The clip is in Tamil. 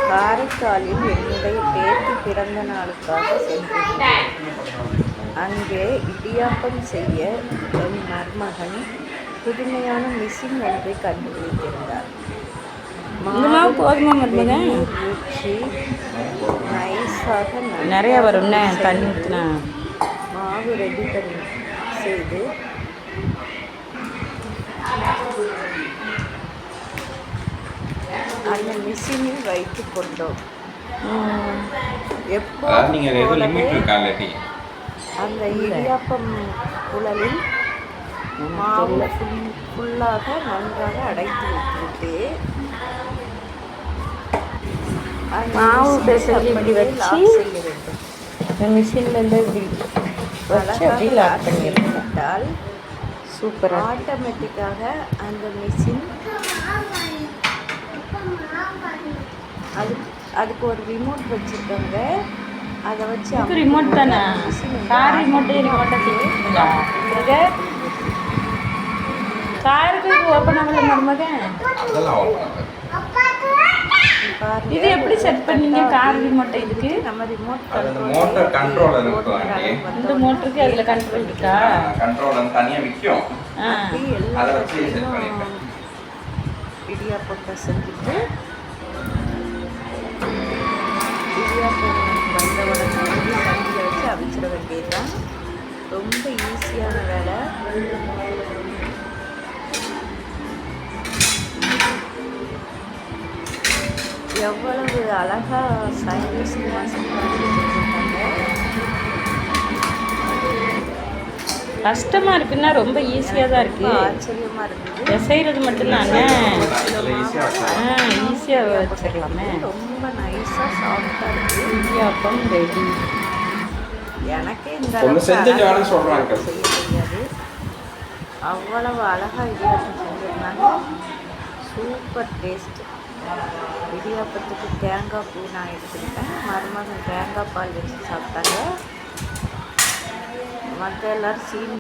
காரைக்காலில் என்னுடைய பேத்தி பிறந்த நாளுக்காக சென்றிருந்தேன். அங்கே இடியாப்பம் செய்ய என் மருமகன் புதுமையான மிஷின் ஒன்றை கண்டுபிடித்திருந்தார். ஊற்றி நைஸாக நிறைய வரும் தண்ணி ஊற்றினா மாவு ரெடி பண்ணி செய்து அந்த மிஷினில் வைத்து கொண்டோம். அந்த இடியாப்பம் குழலில் மாவு ஃபுல்லாக நன்றாக அடைத்து வைத்துவிட்டு மாவு பேசுறது இப்படி வச்சு மிஷின்லேருந்து இப்படி வச்சு அப்படி லாக் பண்ணிவிட்டால் சூப்பர். ஆட்டோமேட்டிக்காக அந்த மிஷின் அதுக்கு ஒரு ரிமோட் வச்சுருக்காங்க. அதை வச்சு ரிமோட் தானே கார் ரிமோட்டை காருக்கு ஓப்பன் ஆகல மருமகன். இது எப்படி செட் பண்ணீங்க கார் ரிமோட்டை? இதுக்கு நம்ம ரிமோட் மோட்டார் கண்ட்ரோல் இருக்கு. இந்த மோட்டருக்கு அதுல கண்ட்ரோல் இருக்கா? கண்ட்ரோல் வந்து தனியா விக்கும். அதை வச்சு செட் பண்ணிட்டேன். இடியாப்பத்தை செஞ்சுட்டு இடியாப்பம் வந்த உடனே தண்ணியில் வச்சு அவிச்சிட வேண்டியதுதான். ரொம்ப ஈஸியான வேலை. எவ்வளவு அழகாக சயின்டிஸ்டாக செஞ்சுருக்காங்க. கஷ்டமாக இருக்குன்னா ரொம்ப ஈஸியாக தான் இருக்குது. ஆச்சரியமாக இருக்குது. செய்கிறது மட்டும்தானே ஈஸியாக வச்சுக்கலாமே. ரொம்ப நைஸாக சாஃப்டாக இருக்குது. இடியாப்பம் ரெடி. எனக்கே இந்த செய்ய தெரியாது. அவ்வளவு அழகாக இடியாப்பம் செஞ்சுருந்தாங்க. Super taste. இடியாப்பத்துக்கு தேங்காய் பூ நான் எடுத்துக்கிட்டேன். மருமகன் தேங்காய் பால் வச்சு சாப்பிட்டாங்க. மற்ற எல்லோரும் சீனி